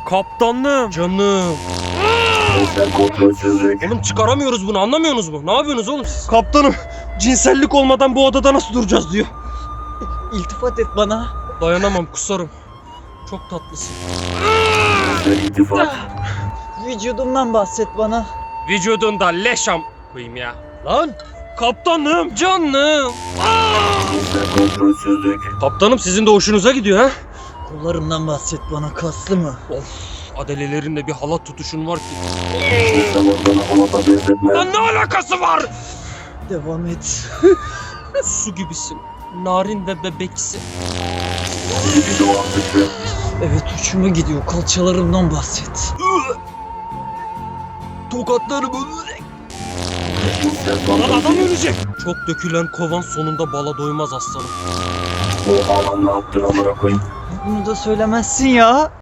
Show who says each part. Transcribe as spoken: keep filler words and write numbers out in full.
Speaker 1: Kaptanım. Canım.
Speaker 2: Cinsel kontrolsüzlük.
Speaker 1: Oğlum çıkaramıyoruz bunu, anlamıyorsunuz mu? Ne yapıyorsunuz oğlum siz? Kaptanım, cinsellik olmadan bu odada nasıl duracağız diyor.
Speaker 3: İltifat et bana.
Speaker 1: Dayanamam, kusarım. Çok tatlısın.
Speaker 2: Cinsel iltifat.
Speaker 3: Vücudumdan bahset bana.
Speaker 1: Vücudunda leşam koyayım ya. Lan kaptanım, canım.
Speaker 2: Cinsel kontrolsüzlük.
Speaker 1: Kaptanım, sizin de hoşunuza gidiyor ha?
Speaker 3: Kollarımdan bahset bana, kaslı mı?
Speaker 1: Of, adelelerinde bir halat tutuşun var ki.
Speaker 2: Cinsel organı halata benzetme.
Speaker 1: Lan ne alakası var?
Speaker 3: Devam et.
Speaker 1: Su gibisin. Narin ve bebeksi.
Speaker 2: Libido artışı.
Speaker 3: Evet, hoşuma gidiyor. Kalçalarımdan bahset.
Speaker 1: Tokatlarım.
Speaker 2: Cinsel
Speaker 1: Lan adam
Speaker 2: fantazi.
Speaker 1: ölecek. Çok dökülen kovan sonunda bala doymaz aslanım.
Speaker 2: O alan ne yaptın amına koyayım?
Speaker 3: Bunu da söylemezsin ya.